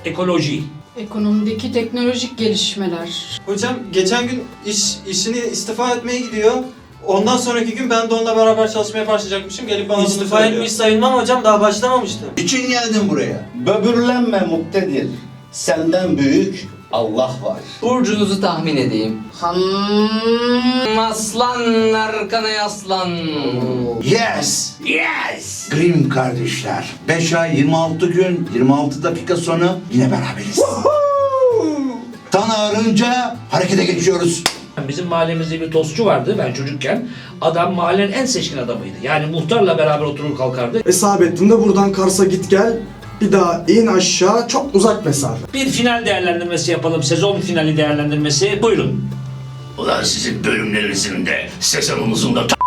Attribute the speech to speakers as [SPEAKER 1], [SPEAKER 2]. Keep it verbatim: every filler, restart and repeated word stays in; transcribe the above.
[SPEAKER 1] Ekoloji.
[SPEAKER 2] Ekonomideki teknolojik gelişmeler.
[SPEAKER 3] Hocam geçen gün iş işini istifa etmeye gidiyor. Ondan sonraki gün ben de onunla beraber çalışmaya başlayacakmışım. Gelip bana bunu
[SPEAKER 4] İstifa
[SPEAKER 3] söylüyor.
[SPEAKER 4] etmiş sayılmam hocam, daha başlamamıştı.
[SPEAKER 5] İçin geldin buraya. Böbürlenme muktedir. Senden büyük Allah var.
[SPEAKER 6] Burcunuzu tahmin edeyim. Hmm, aslan arkana yaslan.
[SPEAKER 5] Yes! Yes! Grimm kardeşler. beş ay yirmi altı gün yirmi altı dakika sonra yine beraberiz. Tan ağrınca harekete geçiyoruz.
[SPEAKER 1] Bizim mahallemizde bir tostçu vardı ben çocukken. Adam mahallenin en seçkin adamıydı. Yani muhtarla beraber oturur kalkardı.
[SPEAKER 7] Hesap ettim de buradan Kars'a git gel. Bir daha in aşağı, çok uzak mesafe.
[SPEAKER 1] Bir final değerlendirmesi yapalım. Sezon finali değerlendirmesi. Buyurun.
[SPEAKER 8] Ulan sizin bölümlerinizin de sezonunuzun da